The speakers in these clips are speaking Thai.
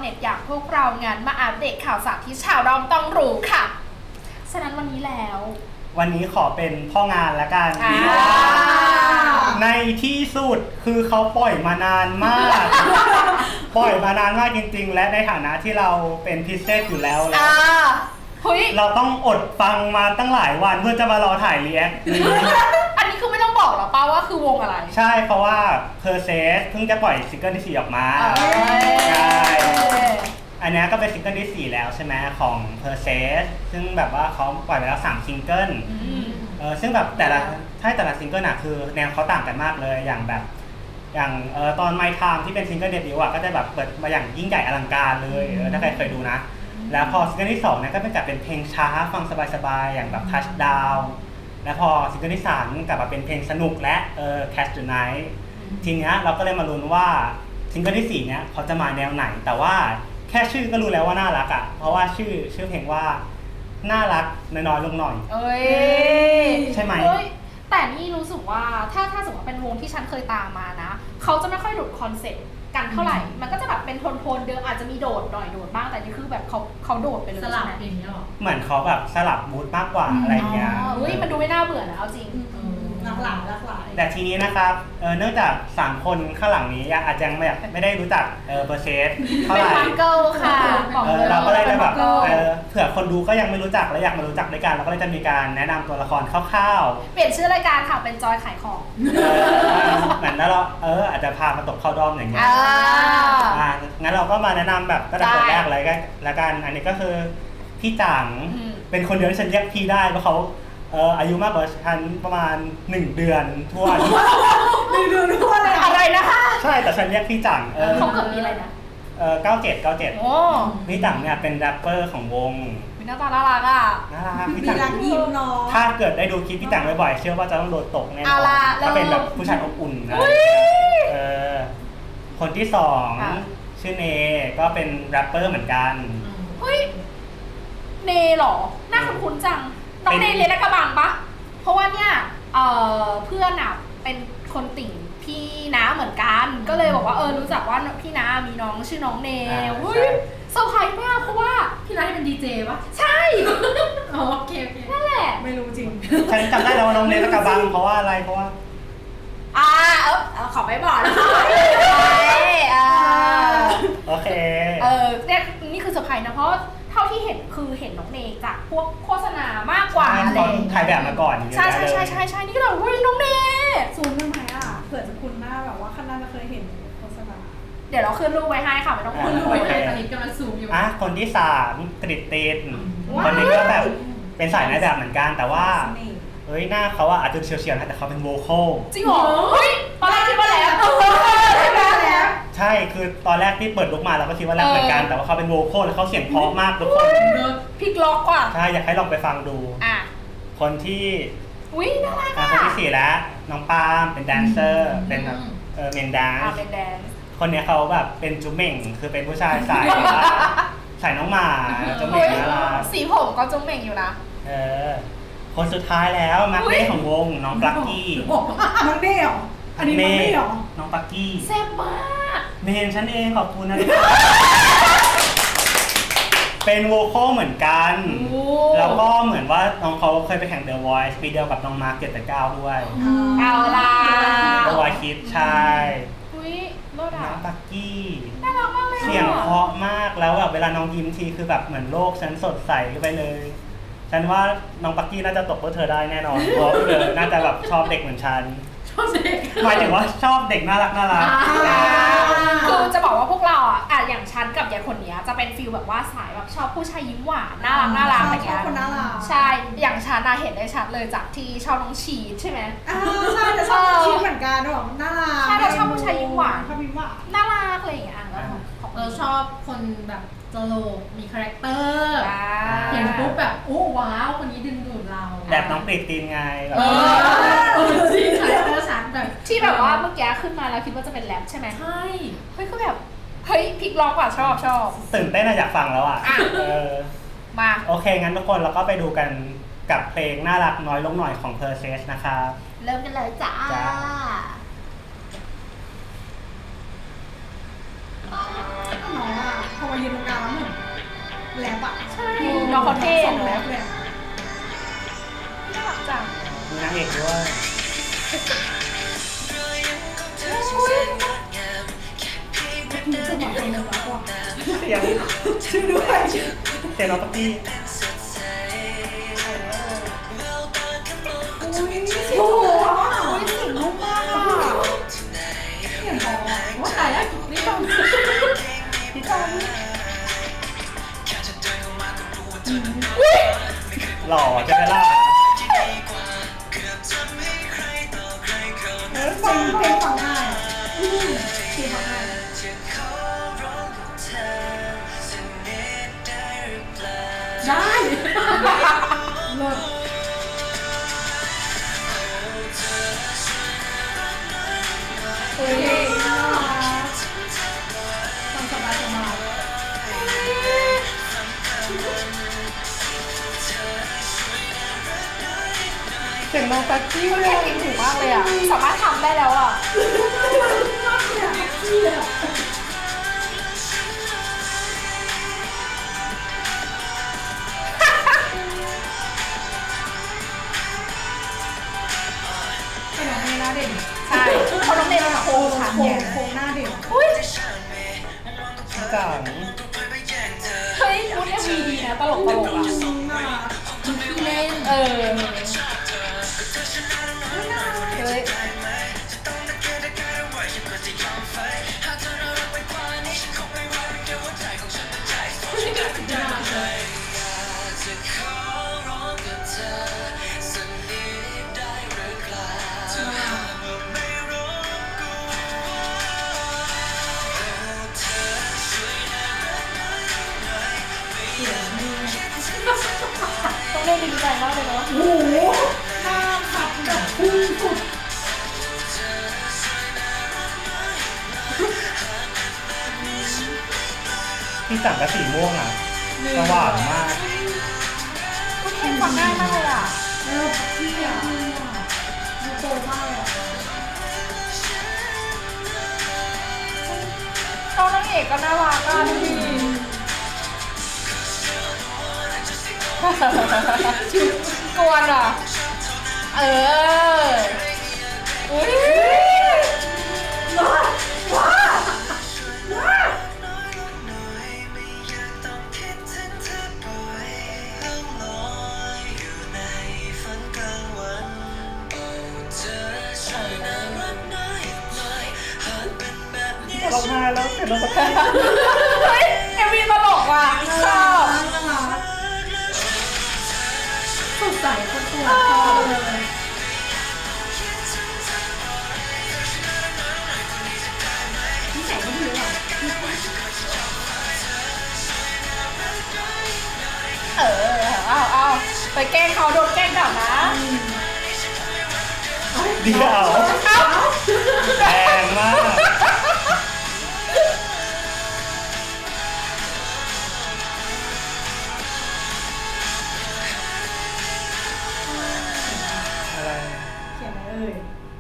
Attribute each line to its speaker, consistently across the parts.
Speaker 1: เน็ตอย่างพวกเรางานมาอัปเดตข่าวสารที่ชาวดอมต้องรู้ค่ะฉะนั้นวันนี้แล้ว
Speaker 2: วันนี้ขอเป็นพ่องานละกันในที่สุดคือเขาปล่อยมานานมาก ปล่อยมานานมากจริงๆและในฐานะที่เราเป็นพิเศษอยู่แล้วเราต้องอดฟังมาตั้งหลายวันเพื่อจะมารอถ่ายรีแอคนี้
Speaker 1: อันนี้คือไม่ต้องบอกหรอป้าว่าคือวงอะไร
Speaker 2: ใช่เพราะว่า Perses เพิ่งจะปล่อยซิงเกิลที่4ออกมาใช่อันนี้ก็เป็นซิงเกิลที่4แล้วใช่ไหมของ Perses ซึ่งแบบว่าเขาปล่อยไปแล้ว3ซิงเกิลซึ่งแบบแต่ละซิงเกิลอะคือแนวเขาต่างกันมากเลยอย่างแบบอย่างตอน My Time ที่เป็นซิงเกิลเดบิวต์อะก็จะแบบเปิดมาอย่างยิ่งใหญ่อลังการเลยถ้าใครเคยดูนะแล้วพอซิงเกิลที่2เนี่ยก็เป็นกลับเป็นเพลงช้าฟังสบายๆอย่างแบบ Touchdown แล้วพอซิงเกิลที่3กลับมาเป็นเพลงสนุกและ Catch the Night ทีเนี้ยเราก็เลยมาลุ้นว่าซิงเกิลที่4เนี่ยเขาจะมาแนวไหนแต่ว่าแค่ชื่อก็รู้แล้วว่าน่ารักอ่ะเพราะว่าชื่อเพลงว่าน่ารักน้อยๆลงหน่อยใช่ไหม
Speaker 1: แต่นี่รู้สึกว่าถ้าสมมติว่าเป็นวงที่ฉันเคยตามมานะเขาจะไม่ค่อยหลุดคอนเซ็ปต์กันเท่าไหร่มันก็จะแบบเป็นโทนเดิมอาจจะมีโดดหน่อยโดดบ้างแต่นี่คือแบบเขาโดดไปเลย
Speaker 3: สลับอย่างเงี้ยหรอ
Speaker 2: เหมือนเขาแบบสลับมูดมากกว่าอะไรเงี้ย
Speaker 1: มันดูไม่น่าเบื่อนะเอาจริง
Speaker 3: หลากหลาย
Speaker 2: แต่ทีนี้นะครับเนื่องจาก3คนข้างหลังนี้อาจจะไม่ได้รู้จักเบอร์เซสเท่าไหร่
Speaker 1: เป็นเกิลค่ะ
Speaker 2: เราก็เลยแบบเผื่อคนดูก็ยังไม่รู้จักและอยากมารู้จักด้วยกันเราก็เลยจะมีการแนะนำตัวละครคร่าว
Speaker 1: ๆเปลี่ยนชื่อรายการค่ะเป็นจอยขายของ
Speaker 2: เหมือนแล้วเราอาจจะพามาตกเข้าด้อมอย่างเงี้ยงั้นเราก็มาแนะนำแบบตั้งแต่คนแรกเลยละกันอันนี้ก็คือพี่จังเป็นคนเดียวที่ฉันเรียกพี่ได้เพราะเขาอายุมากกว่าฉันประมาณ1 เดือนทั่ว
Speaker 3: 1 เดือนทั่วเลย
Speaker 1: อะไรนะคะ
Speaker 2: ใช่แต่ฉันเรียกพี่จัง
Speaker 1: เขาเกิดปีอะไรนะ
Speaker 2: 97พี่จังเนี่ยเป็นแรปเปอร์ของวง
Speaker 1: หน้าตาน่ารักอ่ะ
Speaker 2: น่ารักพี่จัง
Speaker 3: ยิ้มเนาะ
Speaker 2: ถ้าเกิดได้ดูคลิปพี่จังบ่อยๆเชื่อว่าจะต้องโดนตกแน่นอนก็เป็นแบบผู้ชายอบอุ่นนะคนที่2ชื่อเนก็เป็นแรปเปอร์เหมือนกัน
Speaker 1: เฮ้ยเนหรอหน้าคุ้นๆจังน้องเนเรียนรักกระบังปะเพราะว่าเนี่ยเพื่อนอ่ะเป็นคนติ่งพี่น้าเหมือนกันก็เลยบอกว่ารู้จักว่าพี่น้ามีน้องชื่อน้องเนเฮ้ยเซอร์ไพรส์มากเพราะว่า
Speaker 3: พี่น้าเป็นดีเจปะ
Speaker 1: ใช่
Speaker 3: โอเค
Speaker 1: นั่นแหละ
Speaker 3: ไม่รู้จริง
Speaker 2: ฉันจำได้แล้วว่าน้องเนรักกระบังเพราะว่าอะไรเพราะว่า
Speaker 1: ขอไม่บอกนะ
Speaker 2: โอเค
Speaker 1: เนี่ยนี่คือเซอร์ไพรส์นะเพราะเท่าที่เห็นคือเห็นน้องเนจากพวกโฆษณามากกว่า
Speaker 2: เลยถ่ายแบบมาก่อน
Speaker 1: ใช่นี่ก็แบบเฮ้ยน้องเน
Speaker 3: ซูมได้ไหมเผื่อจะคุ้นหน้าแบบว่าข้างหน้าจะเคยเห็นโฆษณา
Speaker 1: เดี๋ยวเราขึ้นรูปไว้ให้ค่ะไม่ต้อง
Speaker 3: ขึ้นรูปไว้ให้ตอนนี้กำลังซูมอยู่
Speaker 2: คนที่3กริตตินคนนี้ก็แบบเป็นสายนายแบบเหมือนกันแต่ว่าหน้าเขาอาจจะเฉียวๆนะแต่เขาเป็นโวคอล
Speaker 1: จริงเหรอเฮ้ยตอนแรกคิดว่าแล้ว
Speaker 2: ใช่คือตอนแรกที่เปิดลุกมาเราก็คิดว่าแรปเหมือนกันแต่ว่าเขาเป็นโวคอลแล้วเขาเสียงเพราะมากทุกคน
Speaker 1: พลิกล็อกกว่า
Speaker 2: ใช่อยากให้ลองไปฟังดูคนที่
Speaker 1: น่ารัก
Speaker 2: คนที่4แล้วน้องปาล์มเป็นแดนเซอร์เป็นแบบเมนแดนซ์คนนี้เขาแบบเป็นจุ๊เม่งคือเป็นผู้ชายสายน้องหมาจุ๊เม่งนะ
Speaker 1: สีผมก็จุ๊เม่งอยู่นะ
Speaker 2: คนสุดท้ายแล้วมาร์คเน่ของวงน้องปลั๊กกี้
Speaker 3: น้องเน่หรออันนี้น้องเน่หรอ
Speaker 2: น้องปลั๊กกี้
Speaker 1: แซ่บมาก
Speaker 2: เมนฉันเองขอบคุณนะเป็นโวคอลเหมือนกันแล้วก็เหมือนว่าน้องเขาเคยไปแข่ง The Voice ปีเดียวกับน้องมาร์ค789ด้วย
Speaker 1: เอาล่ะ
Speaker 2: The Voice Kids ใช่
Speaker 1: น้
Speaker 2: องปลั๊กกี้
Speaker 1: น่ารักมากเลย
Speaker 2: เสียงเพราะมากแล้วแบบเวลาน้องยิ้มทีคือแบบเหมือนโลกฉันสดใสไปเลยฉันว่าน้องปักกี้น่าจะตกเพราะเธอได้แน่นอนเพราะเธอน่าจะแบบชอบเด็กเหมือนฉัน
Speaker 3: ชอบเด็ก
Speaker 2: หมายถึงว่าชอบเด็กน่ารัก
Speaker 1: คือจะบอกว่าพวกเราอย่างฉันกับยายคนนี้จะเป็นฟีลแบบว่าสายแบบชอบผู้ชายยิ้มหวานน่ารักอะไรเงี้ยใช่อย่างฉันเห็นได้ชัดเลยจากที่ชอบน้องชีใช่ไหม
Speaker 3: ใช่แต่ชอบน้องชีเหมือนกันหรอน่ารัก
Speaker 1: ใช่เราชอบผู้ชายยิ้มหวานน่ารักอะไรอย่างเงี้ย
Speaker 3: เราชอบคนแบบตลกมีคาแรคเตอร์เห็นปุ๊บแบบโอ้ว้าวคนนี้ดึงดูดเรา
Speaker 2: แบบน้องปริตตีนไง
Speaker 3: จริงคาแรคเตอร์ชัดแบบ
Speaker 1: ที่แบบว่าเมื่อกี้ขึ้นมาแล้วคิดว่าจะเป็นแรปใช่ไหม
Speaker 3: ใช่
Speaker 1: เฮ้ยก็แบบเฮ้ยพลิกล็อกว่ะชอบ
Speaker 2: ตื่นเต้นอยากฟังแล้ว
Speaker 1: มา
Speaker 2: โอเคงั้นทุกคนเราก็ไปดูกันกับเพลงน่ารักน้อยลงหน่อยของ Perses นะคะ
Speaker 1: เริ่มกันเลยจ้า
Speaker 3: น้องพอมายืนตรงกลางแล้วเหมือนแลบอะ
Speaker 1: ใช่น้องเขาเท่
Speaker 3: ส่งแล
Speaker 1: เนาะ
Speaker 3: บเลยอะ
Speaker 1: น่ารักจัง
Speaker 2: มีนางเอกด้วย
Speaker 3: มีจังหวะคนหนึ่งแล้วก็
Speaker 2: เสียง
Speaker 3: ช่วยด้วย
Speaker 2: เสียงน้องป๊อปปี้
Speaker 3: โอ้โห
Speaker 1: อุ้ยเสียงนุ่มมากอ่ะ
Speaker 3: เสียงบอกว่าตายแล้วนี่ต้อง
Speaker 1: พี่จอน
Speaker 2: หล่อใช่ไหมล่ะ
Speaker 3: เพลงฟังง่ายเพลงฟังง่าย ได้เลิศโอเคน่ารักฟังสบายสบาย
Speaker 2: เสียงน้องป๊อปปี้
Speaker 1: เขาแข่งเก่งถูกมากเลยอ่ะ สามารถทำได้แล้วอ่ะ
Speaker 3: มากเลยอะเชี่ยไอ้น้องนี่หน้าเด่น
Speaker 1: ใช่เขาต้องเด่นโค้งค่ะ
Speaker 3: โค้งหน้าเด่น
Speaker 1: อุ้ย
Speaker 2: จัง
Speaker 1: เฮ้ยพูดเอ็มวีดีนะตลกตลกอ่ะ
Speaker 3: น่ารักมันขี้เล่น
Speaker 1: เออเฮ้ย
Speaker 3: น่ารักเลย
Speaker 1: ต้องเล่นดีใจมากเลยเนาะ
Speaker 3: โอ้โหหน้าขัดแบบพุ่งสุด
Speaker 2: พี่จังกับสีม่วงอ่ะสว่างมาก
Speaker 1: คุณเพลงฟังง่ายมากเลยอ่ะ
Speaker 3: เออพี่อ่ะดูโตมากเลยอ่ะ
Speaker 1: น้องนางเอกก็น่ารักอ่ะดูดิกวนอ่ะ เออ อุ้ย
Speaker 3: ว้าว้าว้า
Speaker 2: ร้องไห้แล้วเสียงน้องป๊อปปี้
Speaker 1: เฮ้ยเอวีตลกว่ะชอบ
Speaker 3: น่ารักสดใสคนตัวชอบเลยนิสัยไม่ดีหรอ
Speaker 1: เออ เอาไปแกล้งเขาโดนแกล้งกลับนะ
Speaker 2: เดี๋ยว
Speaker 1: เอ้า
Speaker 2: แรงมากอะไร
Speaker 3: เขียนอะไรเอ่ย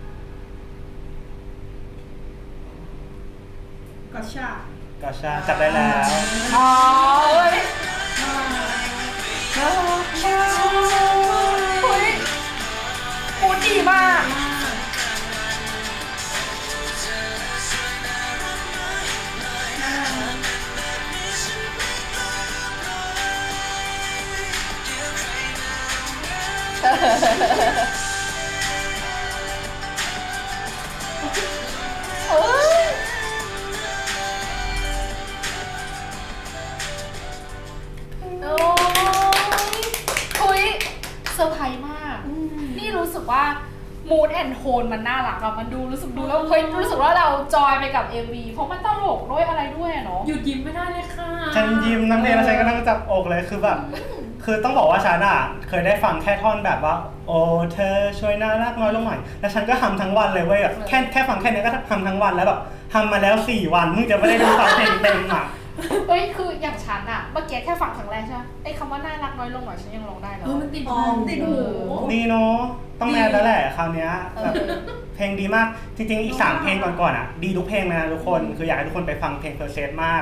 Speaker 3: กอชา
Speaker 2: ก็ชาจับได้แล้ว
Speaker 1: อ๋อเฮ้ย
Speaker 3: น่ารัก
Speaker 1: เฮ้ยพูดดีมาก
Speaker 3: มากน่ารัก
Speaker 1: เอ้ยโอ้ยคุยเซอร์ไพรส์มาก นี่รู้สึกว่า mood and tone มันน่ารักอะมันดูรู้สึกดูแล้วเฮ้ยรู้สึกว่าเราจอยไปกับ MV เพราะมันตลกด้วยอะไรด้วยอะเนาะ
Speaker 3: หยุดยิ้มไม่ได้เลยค่ะ
Speaker 2: ฉันยิ้มน้ำเพลงแล้วฉันก็นั่งจับอกเลยคือแบบ คือต้องบอกว่าฉันอ่ะเคยได้ฟังแค่ท่อนแบบว่า โอ้เธอช่วยน่ารักน้อยลงหน่อยแล้วฉันก็ทำทั้งวันเลยเว้ยแบบแค่ฟังแค่นี้ก็ทำทั้งวันแล้วแบบทำมาแล้ว4 วันเพิ่งจะไม่ได้ดูฟังเพลงเต็มอ่ะ
Speaker 1: เอ้ยคืออย่างฉันอะเมื่อกี้แค่ฟังครั้งแรกใช่ไหมไอ้คำว่าน่ารักน้อยลงหน่อยฉันยังร้องได้แล้ว
Speaker 3: มันติดหูติดหู
Speaker 2: ดีเนาะต้องแมนแล้วแหละคราวเนี้ยแบบเพลงดีมากจริงๆอีก3 เพลงก่อนๆอ่ะดีทุกเพลงนะทุกคนคืออยากให้ทุกคนไปฟังเพลง Process มาก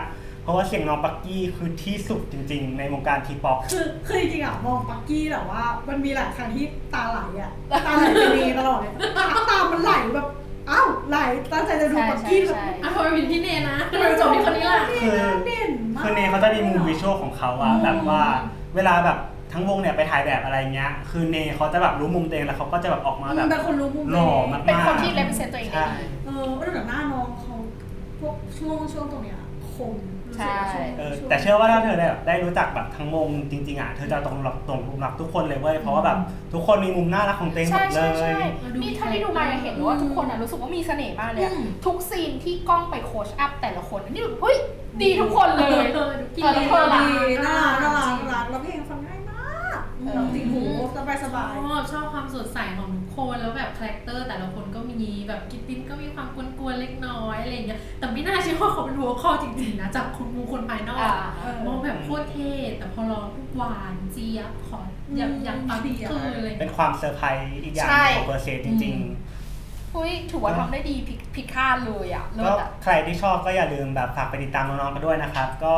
Speaker 2: เพราะว่าเสียงน้องปักกี้คือที่สุดจริงๆ ในวงการทีป๊อป
Speaker 4: คือจริงๆอ่ะมองปักกี้แต่ว่ามันมีหลายครั้งที่ตาไหลอ่ะตาไหลไปเนตลอดเลยตามันไหลแบบอ้าวไหลตั้งใจจะดูปักกี้แบบ
Speaker 3: อ่ะทำไมเป็นพี่เนนะทำไมจบที่คนนี้ล่ะ
Speaker 4: เด่นมาก
Speaker 2: คือเนเขาจะมีมุมวิชวลของเขาอะแบบว่าเวลาแบบทั้งวงเนี่ยไปถ่ายแบบอะไรเงี้ยคือเนเขาจะแบบรู้มุมตัวเองแล้วเขาก็จะแบบออกมาแบบ
Speaker 4: เป็นคนรู้มุม
Speaker 2: หล่อมากๆ
Speaker 1: เป็นคนที่ represent ตัวเองได้
Speaker 2: ใช่
Speaker 1: ดี
Speaker 4: แต่หน้าน้องเขาพวกช่วงตรงเนี้ยคม
Speaker 1: ใช่
Speaker 2: แต่เชื่อว่าถ้าเธอได้รู้จักแบบทั้งวงจริงๆอ่ะเธอจะตรงรักทุกคนเลยเว้ยเพราะว่าแบบทุกคนมีมุมน่ารักของตัวเองหม
Speaker 1: ใช่
Speaker 2: ดเล
Speaker 1: ใช่ใช่
Speaker 2: ย
Speaker 1: นี่เท่าที่ดูมาเห็นว่าทุกคนรู้สึกว่ามีเสน่ห์มากเลยอะทุกซีนที่กล้องไปโคชอัพแต่ละคนนี่แบบเฮ้ยดีทุกคนเลย
Speaker 3: กิน
Speaker 1: เออ
Speaker 3: ดี
Speaker 1: เธอล่ะ
Speaker 4: น่ารักแล้วเพลงฟังง่ายมากเราติดหูสบาย
Speaker 3: ชอบความสดใสของทุกคนแล้วแบบคาแรคเตอร์แต่ละคนก็มีแบบกิตตินก็มีความกวนๆเล็กน้อยอะไรอย่างเงี้ยแต่ไม่น่าเชื่อว่าเขาเป็นหัวข้อจริงๆนะจากคนภายนอกมองแบบโคตรเท่แต่พอร้องทุกหวานเจี๊ยบขอยังปังคือเลย
Speaker 2: เป็นความเซอร์ไพรส์อีกอย่างของเปอร์เซนต์จริง
Speaker 1: เฮ้ยถือว่าทำได้ดีผิดคาดเลยอ่ะ
Speaker 2: ๆ
Speaker 1: เลิ
Speaker 2: ก็
Speaker 1: ศอ่ะ
Speaker 2: ใครที่ชอบก็อย่าลืมแบบฝากไปติดตามน้องๆกันด้วยนะครับก็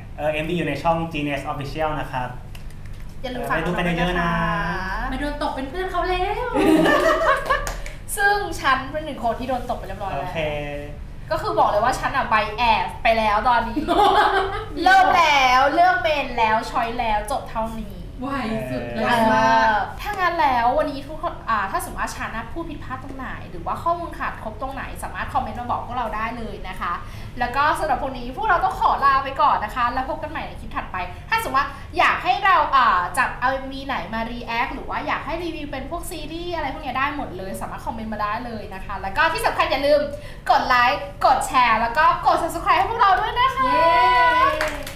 Speaker 2: MV อยู่ในช่อง Genius Official นะครับ
Speaker 1: อย่าลืมฝาก
Speaker 2: ไปดูกันเยอะๆนะ
Speaker 3: ไม่โดนตกเป็นเพื่อนเขาแล้ว
Speaker 1: ซึ่งฉันเป็นหนึ่งคนที่โดนตกไปเรียบร้อย
Speaker 2: โอ
Speaker 1: แล้ว
Speaker 2: เค
Speaker 1: ก็คือบอกเลยว่าฉันอ่ะใบแอบไปแล้วตอนนี้ เลิกแล้วเลิกเมนแล้วช้อยแล้วจบเท่านี้
Speaker 3: ไวสุดเล
Speaker 4: ไวย มาก
Speaker 1: ถ้างั้นแล้ววันนี้ทุกคนถ้าสมมติว่าฉันนะพูดผิดพลาดตรงไหน หรือว่าข้อมูลขาดครบตรงไหนสามารถคอมเมนต์มาบอกพวกเราได้เลยนะคะ แล้วก็สำหรับวันนี้พวกเราต้องขอลาไปก่อนนะคะ แล้วพบกันใหม่ในคลิปถัดไป ถ้าสมมติว่าอยากให้เราจัดเอามีไหนมารีแอคหรือว่าอยากให้รีวิวเป็นพวกซีรีส์อะไรพวกนี้ได้หมดเลยสามารถคอมเมนต์มาได้เลยนะคะ แล้วก็ที่สำคัญอย่าลืมกดไลค์กดแชร์แล้วก็กด subscribe ให้พวกเราด้วยนะคะ
Speaker 3: เย้